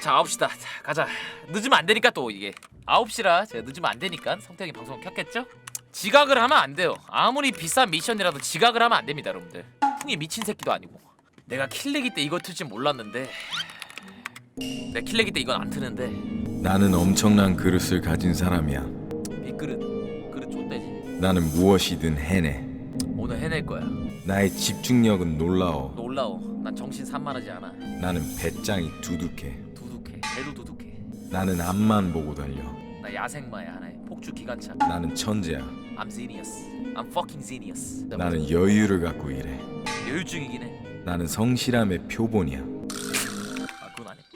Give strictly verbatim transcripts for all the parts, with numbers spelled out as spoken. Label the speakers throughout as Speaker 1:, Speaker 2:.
Speaker 1: 자 아홉 시다. 자, 가자. 늦으면 안 되니까 또 이게 아홉 시라 제가 늦으면 안 되니까 성태형이 방송을 켰겠죠? 지각을 하면 안 돼요. 아무리 비싼 미션이라도 지각을 하면 안 됩니다, 여러분들. 풍이 미친 새끼도 아니고. 내가 킬레기 때 이거 틀 줄 몰랐는데. 내 킬레기 때 이건 안 트는데.
Speaker 2: 나는 엄청난 그릇을 가진 사람이야.
Speaker 1: 이 그릇 그릇 좆대지.
Speaker 2: 나는 무엇이든 해내.
Speaker 1: 오늘 해낼 거야.
Speaker 2: 나의 집중력은 놀라워.
Speaker 1: 놀라워. 난 정신 산만하지 않아.
Speaker 2: 나는 배짱이 두둑해.
Speaker 1: 두둑해. 배도 두둑해.
Speaker 2: 나는 앞만 보고 달려.
Speaker 1: 나 야생마야 하나의 폭주 기관차.
Speaker 2: 나는 천재야.
Speaker 1: I'm genius. I'm fucking genius.
Speaker 2: 나는 여유를 갖고 일해.
Speaker 1: 여유증이긴 해.
Speaker 2: 나는 성실함의 표본이야.
Speaker 1: 아 그건 아니.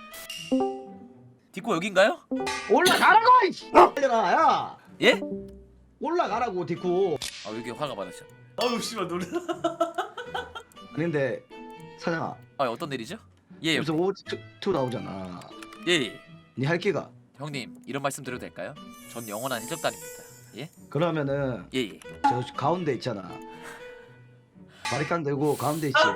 Speaker 1: 디코 여긴가요?
Speaker 3: 올라가라고 이씨. 빨려라 야.
Speaker 1: 예?
Speaker 3: 올라가라고 디쿠.
Speaker 1: 아 여기 화가 많으셔.
Speaker 4: 아우 씨발 놀라.
Speaker 3: 근데 사장아
Speaker 1: 아 어떤 일이죠? 예
Speaker 3: 여기서 오투 나오잖아.
Speaker 1: 예. 예.
Speaker 3: 니 할 기가.
Speaker 1: 형님 이런 말씀 드려도 될까요? 전 영원한 해적단입니다. 예?
Speaker 3: 그러면은
Speaker 1: 예 예.
Speaker 3: 저 가운데 있잖아. 바리깡 들고 가운데 있지.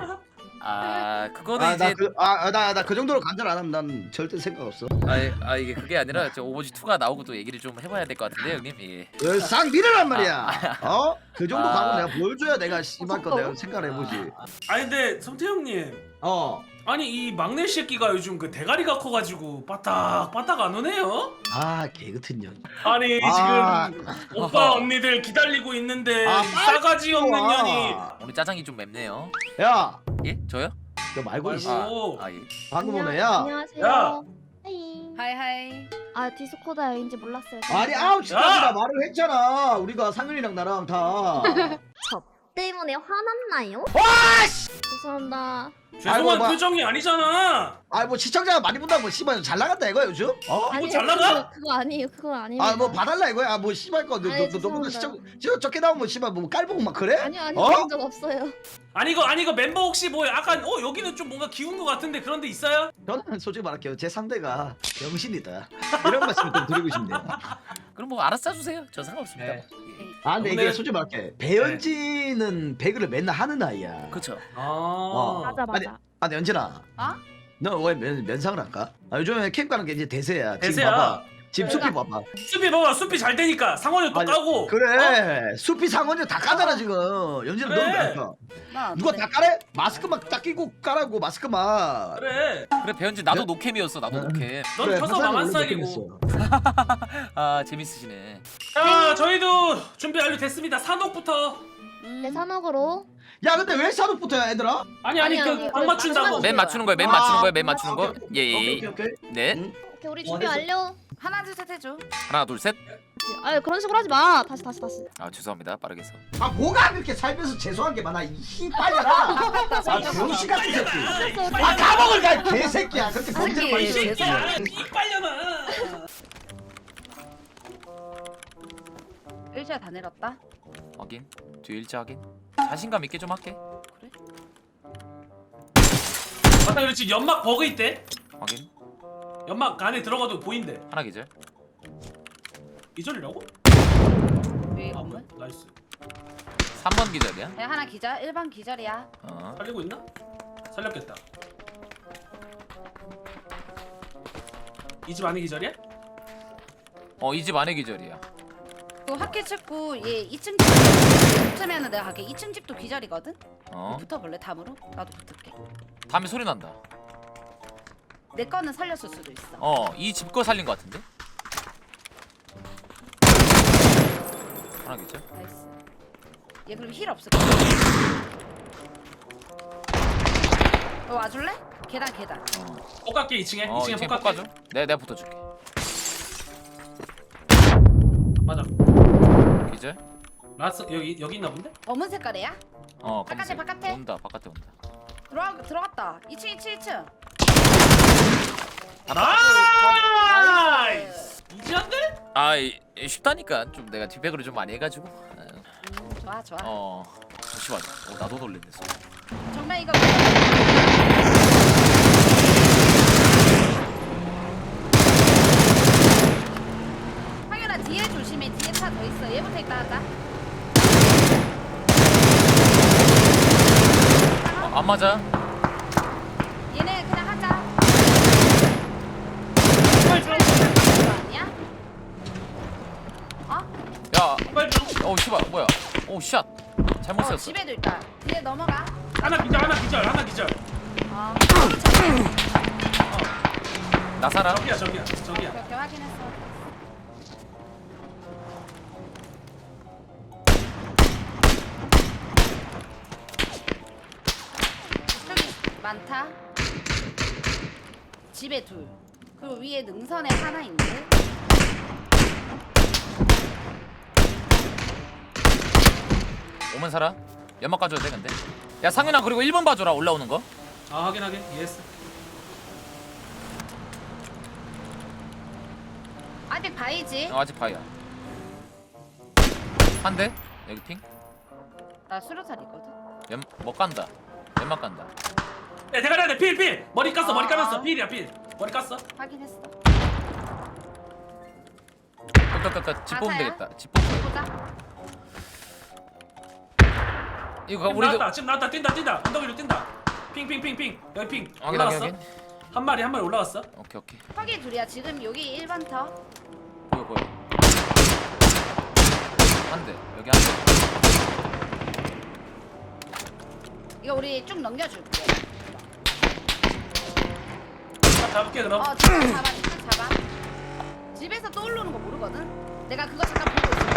Speaker 1: 아 그거는 이제
Speaker 3: 아나그아나 나 그 정도로 간절 안 하면 난 절대 생각 없어.
Speaker 1: 아, 아 이게 그게 아니라 저 오버워치 투가 나오고 또 얘기를 좀 해봐야 될 것 같은데 형님. 예.
Speaker 3: 싹 밀으란 말이야. 어? 그 정도
Speaker 1: 아.
Speaker 3: 가고 내가 보여줘야 내가 씨발 거 내가 생각을 해보지.
Speaker 4: 아니 근데 성태 형님,
Speaker 3: 어.
Speaker 4: 아니 이 막내 새끼가 요즘 그 대가리가 커가지고 빠딱 빠딱 안 오네요?
Speaker 3: 아 개같은 년.
Speaker 4: 아니
Speaker 3: 아.
Speaker 4: 지금 오빠 언니들 기다리고 있는데
Speaker 3: 아,
Speaker 4: 이 싸가지 없는
Speaker 3: 와.
Speaker 4: 년이.
Speaker 1: 오늘 짜장이 좀 맵네요.
Speaker 3: 야,
Speaker 1: 예? 저요?
Speaker 3: 너 말고 있어.
Speaker 4: 말고.
Speaker 1: 아, 아 예.
Speaker 3: 방금 오네 야.
Speaker 5: 안녕하세요.
Speaker 4: 야.
Speaker 5: 하이.
Speaker 6: 하이하이.
Speaker 5: 아 디스코드인지 몰랐어요.
Speaker 3: 아니 아홉 시까지나 말을 했잖아. 우리가 상윤이랑 나랑 다.
Speaker 5: 저 때문에 화났나요?
Speaker 3: 와 씨.
Speaker 5: 죄송합니다.
Speaker 4: 죄송한
Speaker 3: 아이고, 뭐.
Speaker 4: 표정이 아니잖아.
Speaker 3: 아 뭐 시청자가 많이 본다고 뭐 씨발 잘 나간다 이거야 요즘? 어?
Speaker 5: 아니요,
Speaker 4: 잘 나가?
Speaker 5: 그거, 그거 아니에요. 그거 아닙니다.
Speaker 3: 아 뭐 봐달라 이거야. 아 뭐 씨발 거너너너
Speaker 5: 아니,
Speaker 3: 너보다
Speaker 5: 죄송합니다.
Speaker 3: 시청 저 적게 나오면 씨발 뭐 깔보고 막 그래?
Speaker 5: 아니요 아니요
Speaker 3: 어?
Speaker 5: 그런 적 없어요.
Speaker 4: 아니 이거 아니 이거 멤버 혹시 뭐 약간 어 여기는 좀 뭔가 기운 것 같은데 그런 데 있어요?
Speaker 3: 저는 솔직히 말할게요. 제 상대가 병신이다. 이런 말씀을 좀 드리고 싶네요.
Speaker 1: 그럼 뭐 알아서 짜주세요. 저 상관없습니다.
Speaker 4: 네.
Speaker 1: 예.
Speaker 3: 아 근데 이게
Speaker 4: 오늘-
Speaker 3: 솔직히 말할게. 배현진은 배그를 맨날 하는 아이야.
Speaker 1: 그쵸.
Speaker 4: 아.
Speaker 3: 어.
Speaker 5: 맞아 맞아.
Speaker 3: 아 근데 연진아.
Speaker 6: 어?
Speaker 3: 너 왜 면상을 할까? 아 요즘에 캠 가는 게 이제 대세야. 지금
Speaker 4: 대세야.
Speaker 3: 봐봐. 지금
Speaker 5: 내가-
Speaker 3: 숲이 봐봐.
Speaker 4: 수비 봐봐 수비 잘 되니까 상원이 또
Speaker 3: 아니,
Speaker 4: 까고.
Speaker 3: 그래. 숲이 상원이 다 까잖아 지금. 연진은
Speaker 4: 그래.
Speaker 3: 너무 까니까.
Speaker 6: 나
Speaker 3: 누가 다 까래? 마스크 막 딱 끼고 까라고 마스크 막.
Speaker 4: 그래.
Speaker 1: 그래 배현진 나도 노캠이었어. 나도 노캠.
Speaker 4: 넌
Speaker 3: 그래,
Speaker 4: 펴서
Speaker 3: 화살이
Speaker 4: 망한
Speaker 3: 오늘
Speaker 4: 싹이고.
Speaker 3: 느낌이었어.
Speaker 1: 아 재밌으시네.
Speaker 4: 자 저희도 준비 완료됐습니다. 산옥부터.
Speaker 6: 음.
Speaker 5: 내 산옥으로.
Speaker 3: 야 근데 왜 산업부터야 얘들아?
Speaker 4: 아니 아니
Speaker 5: 아니, 아니,
Speaker 4: 그각 맞춘다고.
Speaker 1: 맨 맞추는 거예요. 맨
Speaker 3: 아,
Speaker 1: 맞추는 거예요. 맨 맞추는
Speaker 3: 아,
Speaker 1: 거.
Speaker 3: 오케이,
Speaker 1: 예예.
Speaker 3: 오케이 오케이.
Speaker 1: 네.
Speaker 3: 응?
Speaker 5: 오케이 우리 준비 완료.
Speaker 6: 하나 둘 셋 해줘.
Speaker 1: 하나 둘 셋.
Speaker 5: 아 그런 식으로 하지 마. 다시 다시 다시.
Speaker 1: 아 죄송합니다. 빠르게 해서.
Speaker 3: 아 뭐가 그렇게 살면서 죄송한 게 많아 이 씨발려라. 아 병신 같은 새끼. 아 감옥을 가 개새끼야. 그렇게 범죄를 많이
Speaker 4: 이
Speaker 3: 했어.
Speaker 4: 새끼야 이 빨려나.
Speaker 6: 일시야 다 내렸다.
Speaker 1: 확인. 뒤 일자 확인. 자신감 있게 좀 할게.
Speaker 4: 맞다 그렇지 연막 버그 있대.
Speaker 1: 확인.
Speaker 4: 연막 안에 들어가도 보인대.
Speaker 1: 하나 기절.
Speaker 4: 이절이라고?
Speaker 6: 여기
Speaker 4: 아
Speaker 6: 건물.
Speaker 4: 나이스.
Speaker 1: 삼 번 기절이야.
Speaker 6: 야 하나 기절. 일 번 기절이야.
Speaker 1: 어.
Speaker 4: 살리고 있나? 살렸겠다. 이 집 안에 기절이야?
Speaker 1: 어 이 집 안에 기절이야.
Speaker 6: 그 학교 찍고 얘 이 층 집 붙으면은 내가 갈게. 이 층 집도 기절이거든.
Speaker 1: 어.
Speaker 6: 붙어볼래 담으로? 나도 붙을게.
Speaker 1: 다음에 소리 난다.
Speaker 6: 내 거는 살렸을 수도 있어.
Speaker 1: 어 이 집 거 살린 거 같은데. 하나 기절.
Speaker 6: 나이스. 얘 그럼 힐 없을 거야. 너 와줄래? 계단 계단.
Speaker 1: 어.
Speaker 4: 폭갈게 이 층에.
Speaker 1: 어
Speaker 4: 이 층에
Speaker 1: 이층에
Speaker 4: 폭갈게.
Speaker 1: 볶아줘. 내가 내가 붙어줄게.
Speaker 4: 맞아.
Speaker 1: 기절.
Speaker 4: 라스 여기 여기 있나 본데?
Speaker 6: 검은 색깔이야?
Speaker 1: 어
Speaker 6: 바깥에,
Speaker 1: 검은색.
Speaker 6: 바깥에.
Speaker 1: 온다 바깥에 온다.
Speaker 6: 들어가 들어갔다. 이 층 이 층 이 층.
Speaker 4: 나이스. 이지한데?
Speaker 1: 아 이, 이 쉽다니까 좀 내가 뒷백으로 좀 많이 해가지고.
Speaker 6: 음, 좋아 좋아.
Speaker 1: 어 잠시만. 어 나도 놀랬네.
Speaker 6: 정말 이거. 황윤아 뒤에 조심해. 뒤에 차 더 있어. 얘부터 있다 하자.
Speaker 1: 어, 안 맞아.
Speaker 6: 얘네 그냥 하자.
Speaker 1: 샷 잘못
Speaker 6: 어
Speaker 1: 썼어.
Speaker 6: 집에도 있다. 뒤에 넘어가.
Speaker 4: 하나 기절 하나 기절 하나 기절.
Speaker 6: 어.
Speaker 1: 나사라.
Speaker 4: 저기야 저기야 저기야.
Speaker 6: 그렇게 확인했어. 저기 많다. 집에 둘. 그리고 위에 능선에 하나 있는데.
Speaker 1: 오면 살아. 연막 가져야 돼 근데. 야 상윤아 그리고 일 번 봐줘라 올라오는 거.
Speaker 4: 아 확인 확인 이해했어.
Speaker 6: 아직 바이지.
Speaker 1: 어, 아직 바이야. 한 대. 여기 핑.
Speaker 6: 나 수류탄 있거든.
Speaker 1: 연못 간다. 연막 간다.
Speaker 4: 야 대가리 안에 필 필. 머리 깠어 머리
Speaker 6: 아.
Speaker 4: 감았어 필이야 필. 머리 깠어.
Speaker 6: 확인했어.
Speaker 1: 끝끝끝 집 뽑으면
Speaker 6: 가사야?
Speaker 1: 되겠다. 집 뽑.
Speaker 6: 보자.
Speaker 1: 이거
Speaker 4: 지금
Speaker 1: 우리도
Speaker 4: 나왔다 지금 나왔다 뛴다 뛴다 언덕 위로 뛴다. 핑핑핑핑 여기 핑
Speaker 1: 확인 확인
Speaker 4: 올라갔어.
Speaker 1: 확인.
Speaker 4: 한 마리 한 마리 올라갔어.
Speaker 1: 오케이 오케이.
Speaker 6: 거기 둘이야. 지금 여기 일 번 터.
Speaker 1: 보여 보여. 한 대. 여기 한 대.
Speaker 6: 이거 우리 쭉 넘겨줄게.
Speaker 4: 자, 잡을게 그럼.
Speaker 6: 어, 집에 잡아, 집에 잡아. 집에서 또 오르는 거 모르거든. 내가 그거 잠깐 보고 있어.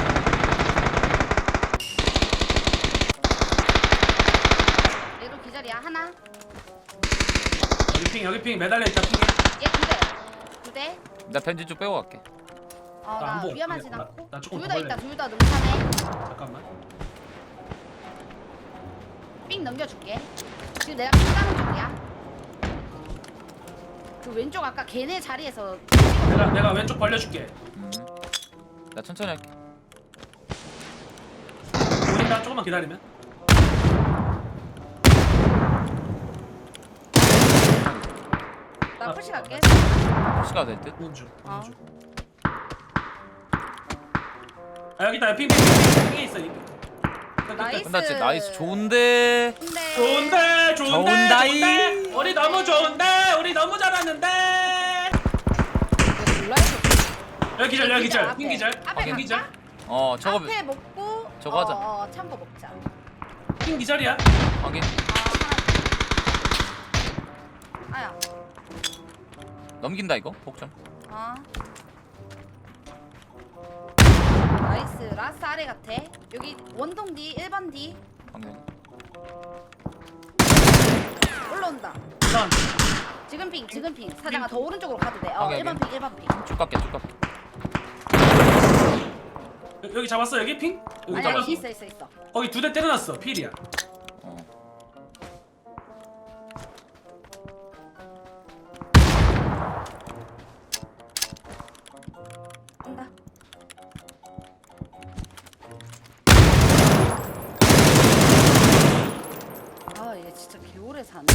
Speaker 6: 얘도 기절이야. 하나.
Speaker 4: 여기 핑 여기 핑 매달려 있다 핑에.
Speaker 6: 얘 두 대. 두 대.
Speaker 1: 나 벤지 좀 빼고 갈게.
Speaker 6: 어,
Speaker 4: 나안
Speaker 6: 나
Speaker 4: 보여.
Speaker 6: 위험하진
Speaker 4: 나-
Speaker 6: 않고.
Speaker 4: 나 조금
Speaker 6: 둘
Speaker 4: 더
Speaker 6: 다 있다.
Speaker 4: 걸래.
Speaker 6: 둘 다 능선해.
Speaker 4: 잠깐만.
Speaker 6: 삥 넘겨줄게. 지금 내가 삥 가는 쪽이야. 그 왼쪽 아까 걔네 자리에서
Speaker 4: 내가 내가 왼쪽 벌려줄게.
Speaker 1: 음. 나 천천히 할게.
Speaker 4: 보인다 조금만 기다리면.
Speaker 6: 나 푸시 갈게.
Speaker 1: 시가 될 듯.
Speaker 4: 보는 중.
Speaker 6: 어.
Speaker 4: 보는 중. 아 여기 있다. 핑핑핑 핑에 있어. 여기.
Speaker 6: 나이스.
Speaker 1: 끝났지. 나이스. 좋은데.
Speaker 6: 근데
Speaker 4: 좋은데 좋은데
Speaker 1: 좋은다이.
Speaker 4: 좋은데 우리 너무 좋은데 우리 너무 잘하는데.
Speaker 6: 이거 몰라요.
Speaker 4: 여기 기절 여기 기절
Speaker 6: 앞에.
Speaker 4: 핑 기절
Speaker 6: 앞에
Speaker 4: 핑 기절
Speaker 6: 갈까?
Speaker 1: 어 저거
Speaker 6: 앞에 먹고
Speaker 1: 저거 하자.
Speaker 6: 어, 어, 참고 먹자.
Speaker 4: 핑 기절이야.
Speaker 1: 확인.
Speaker 6: 아, 하나. 아야.
Speaker 1: 넘긴다 이거. 복점.
Speaker 6: 어. 나이스. 라스 아래 같아. 여기 원동 D, 일 번 D
Speaker 1: 확인.
Speaker 6: 올라온다.
Speaker 4: 난
Speaker 6: 지금 핑, 지금 핑. 사장아 더 오른쪽으로 가도 돼. 어,
Speaker 1: 오케이,
Speaker 6: 일 번
Speaker 1: 오케이.
Speaker 6: 핑, 일 번 핑.
Speaker 1: 쭉 갈게 쭉 갈게.
Speaker 4: 여- 여기 잡았어 여기 핑. 여기
Speaker 6: 아니야,
Speaker 4: 잡았어.
Speaker 6: 있어, 있어, 있어.
Speaker 4: 거기 두 대 때려놨어 필이야.
Speaker 1: 어.
Speaker 6: 간다. 아, 얘 진짜 개오래 사네.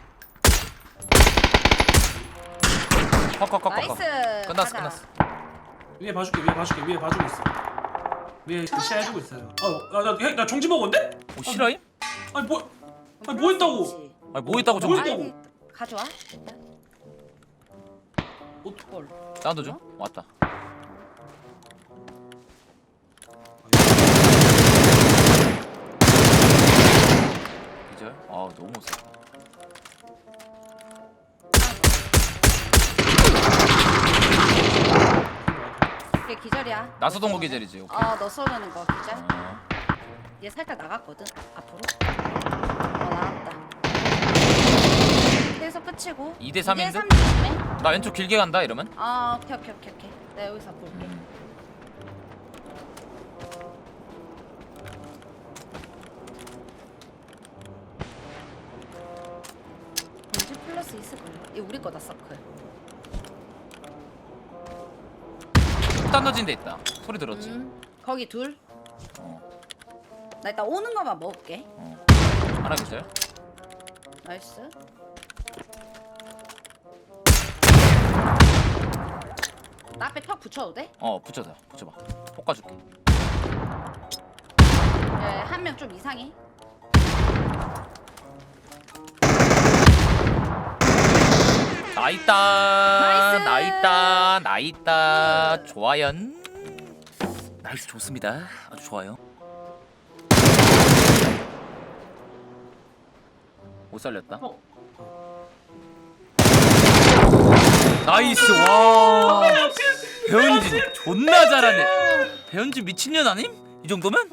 Speaker 1: 컷컷컷컷.
Speaker 6: 나이스.
Speaker 1: 끝났어
Speaker 6: 가자.
Speaker 1: 끝났어.
Speaker 4: 위에 봐줄게 위에 봐줄게 위에 봐주고 있어. 위에 시야 해주고 있어요. 어나나 종지 먹었는데?
Speaker 1: 오 실화임?
Speaker 4: 아니 뭐 아니 뭐 했다고?
Speaker 6: 플러스지.
Speaker 1: 아니 뭐 있다고
Speaker 4: 뭐
Speaker 1: 정말.
Speaker 4: 했다고?
Speaker 6: 아이, 가져와. 뭘?
Speaker 1: 사운드 좀 왔다. 기절. 아 너무 세.
Speaker 6: 걔 기절이야.
Speaker 1: 나서동거 계절이지. 오케이.
Speaker 6: 어, 너 쏘는 거 기절.
Speaker 1: 어.
Speaker 6: 얘 살짝 나갔거든. 앞으로. 어, 나왔다. 계속 끝이고.
Speaker 1: 이 대 삼인데?
Speaker 6: 이 대 삼 조심해.
Speaker 1: 나 왼쪽 길게 간다 이러면.
Speaker 6: 아, 오케이, 오케이, 오케이, 오케이. 내가 여기서 볼게.
Speaker 1: 음.
Speaker 6: 벤지 플러스 있을 거야. 이 우리 거다 서클.
Speaker 1: 폭탄 던진 데 있다. 소리 들었지?
Speaker 6: 음, 거기 둘.
Speaker 1: 어.
Speaker 6: 나 일단 오는 거만 먹을게.
Speaker 1: 어. 하나 기절.
Speaker 6: 나이스. 나 앞에 턱 붙여도 돼?
Speaker 1: 어 붙여줘. 붙여봐. 볶아줄게.
Speaker 6: 예, 한 명 좀 이상해.
Speaker 1: 나 있다.
Speaker 6: 나이스.
Speaker 1: 나 있다. 나 있다. 좋아요. 나이스 좋습니다. 아주 좋아요. 못 살렸다.
Speaker 4: 어.
Speaker 1: 나이스 와. 배현진 존나 잘하네. 배현진 미친년 아님? 이 정도면?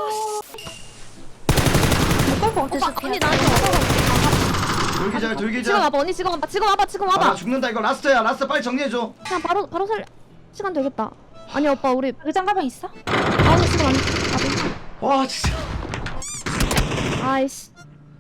Speaker 5: 오빠 언니 나한테 와봐.
Speaker 3: 돌기절
Speaker 5: 지금
Speaker 3: 돌기절.
Speaker 5: 와봐 언니 지금 와봐 지금 와봐 지금
Speaker 3: 아, 나
Speaker 5: 와봐.
Speaker 3: 죽는다 이거 라스트야. 라스트 빨리 정리해줘.
Speaker 5: 그냥 바로 바로 살 시간 되겠다. 아니 오빠 우리
Speaker 6: 의장 가방 있어?
Speaker 5: 아니 지금 안.
Speaker 3: 와 진짜.
Speaker 5: 아, 아이씨.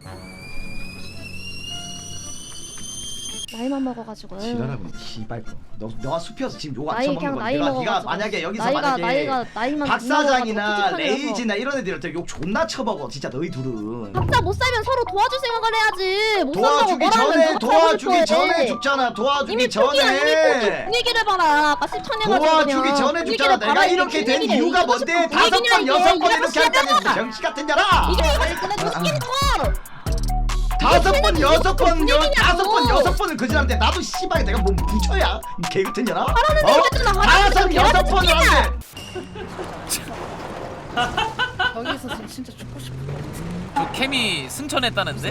Speaker 5: 나이만 먹어가지고.
Speaker 3: 지랄하고 씨발 거. 너 너가 숲이어서 지금 욕 안
Speaker 5: 나이
Speaker 3: 쳐먹는
Speaker 5: 그냥
Speaker 3: 거야.
Speaker 5: 나이
Speaker 3: 내가
Speaker 5: 먹어가지고.
Speaker 3: 네가 만약에 여기서
Speaker 5: 나이가
Speaker 3: 만약에
Speaker 5: 나이가 나이만
Speaker 3: 박 사장이나
Speaker 5: 찝찝하게 해서.
Speaker 3: 레이지나 이런 애들한테 욕 존나 쳐먹어. 진짜 너희 둘은.
Speaker 5: 각자 못 살면 서로 도와줄 생각을 해야지. 못
Speaker 3: 도와주기
Speaker 5: 산다고 뭐라
Speaker 3: 전에
Speaker 5: 하면 누가
Speaker 3: 도와주기
Speaker 5: 도와줄
Speaker 3: 전에
Speaker 5: 거야.
Speaker 3: 죽잖아. 도와주기
Speaker 5: 이미 초기야 이미
Speaker 3: 전에.
Speaker 5: 분위기를 봐라. 아까 십천년
Speaker 3: 도와주기 전에 죽잖아. 내가 이렇게 된 이유가 뭔데? 다섯 번 여섯 번 이렇게 한다는 병신 같은 년아.
Speaker 5: 이게 이거 근데 도시기니까.
Speaker 3: 다섯 번 여섯 번 여
Speaker 5: 분위기냐고.
Speaker 3: 다섯 번 여섯 번은 그지한테 나도 씨발 내가 뭐 부처야 이 개 같은 년아.
Speaker 5: 하라는 대로 했잖아, 하라는
Speaker 3: 다섯
Speaker 5: 대로.
Speaker 3: 여섯
Speaker 5: 얘한테
Speaker 3: 번을
Speaker 5: 죽이냐.
Speaker 3: 하는데.
Speaker 6: 여기서 지금 진짜 죽고 싶어.
Speaker 1: 그 케미 승천했다는데?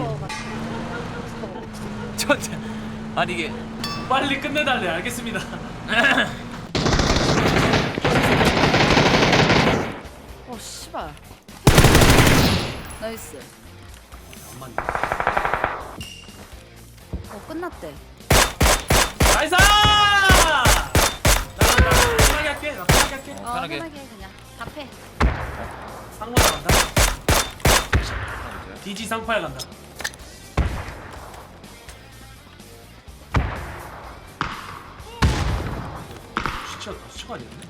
Speaker 1: 저 저- 아니 이게
Speaker 4: 빨리 끝내달래. 알겠습니다.
Speaker 6: 어 씨발. 나이스.
Speaker 4: 잠깐만.
Speaker 6: 어 끝났대.
Speaker 4: 나이스! 나, 나, 나 편하게 할게. 나 편하게 할게.
Speaker 6: 어
Speaker 1: 편하게.
Speaker 6: 편하게 해, 그냥. 답해.
Speaker 4: 상마에 간다. 디지 상파에 간다. 시체가 다섯 시가 아니었네.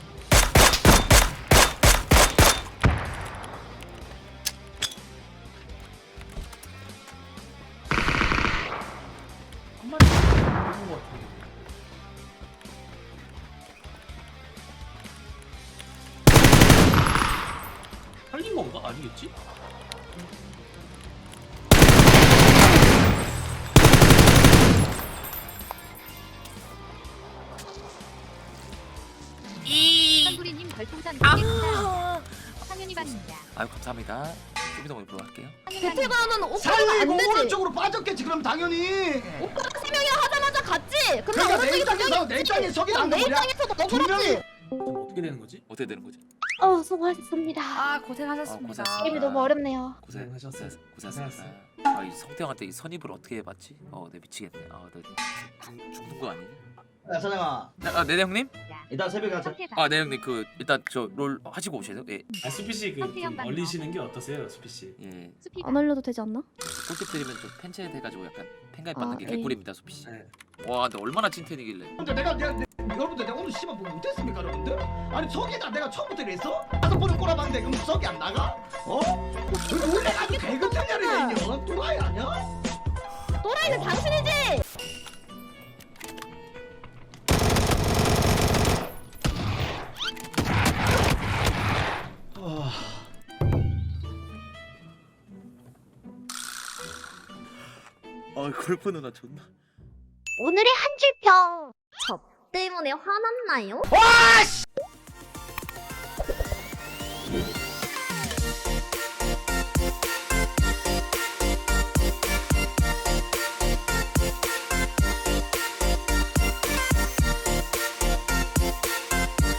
Speaker 4: 한 마리 먹은 것 같은데. 살린 건가? 아니겠지?
Speaker 7: 한구리님 별풍선 백 개 감사합니다. 상윤이 반입니다.
Speaker 1: 아유 감사합니다. 좀 이따 보도록 할게요.
Speaker 5: 배틀그라운드는 오빠가
Speaker 3: 살리고
Speaker 5: 안 되지.
Speaker 3: 오른쪽으로 빠졌겠지 그럼 당연히.
Speaker 5: 오빠가 세 명이 하자마자 갔지. 근데
Speaker 3: 그러니까 내
Speaker 5: 오른쪽에 두
Speaker 3: 입장에서
Speaker 5: 명이
Speaker 3: 내
Speaker 5: 있지.
Speaker 3: 입장에 저기
Speaker 5: 그럼
Speaker 3: 난거
Speaker 5: 내
Speaker 3: 뭐냐?
Speaker 5: 입장에서도
Speaker 3: 두 명이.
Speaker 5: 억울하지.
Speaker 4: 그럼 어떻게 되는 거지?
Speaker 1: 어떻게 되는 거지?
Speaker 5: 어 수고하셨습니다.
Speaker 6: 아
Speaker 1: 어,
Speaker 6: 고생하셨습니다.
Speaker 1: 고생하셨습니다.
Speaker 5: 게임이 너무 어렵네요.
Speaker 1: 고생
Speaker 4: 고생하셨어요.
Speaker 1: 고생하셨습니다. 아이 성태형한테 이 선입을 어떻게 해봤지? 어, 내 미치겠네. 아, 너 죽, 죽는 거 아니냐?
Speaker 3: 야 사장아
Speaker 1: 아, 네 형님?
Speaker 3: 이따 새벽에 하자.
Speaker 1: 아, 네 형님 그 일단 저 롤 하시고 오세요. 예,
Speaker 4: 아 수피 씨그 얼리시는 게 어떠세요, 수피 씨?
Speaker 1: 예.
Speaker 5: 안 올려도 되지 않나?
Speaker 1: 꿀팁 드리면 좀 팬츠 해가지고 약간 팬가입 받는
Speaker 5: 아,
Speaker 1: 게
Speaker 5: 에이.
Speaker 1: 개꿀입니다, 소피 씨.
Speaker 4: 네.
Speaker 1: 와, 근데 얼마나 찐텐이길래?
Speaker 3: 근데 내가 내가 내, 여러분들 내가 오늘 씨발 뭐 못했습니까 여러분들? 아니 석이다 내가 처음부터 이랬어? 다섯 번을 꼬라봤는데 그럼 석이 안 나가? 어? 왜 놀래가지고 개그탄 년이냐 이년 또라이 아니야?
Speaker 5: 또라이는 당신이지.
Speaker 1: 아, 골프 누나 존나.
Speaker 5: 오늘의 한 줄평. 저 때문에 화났나요?
Speaker 3: 와 씨!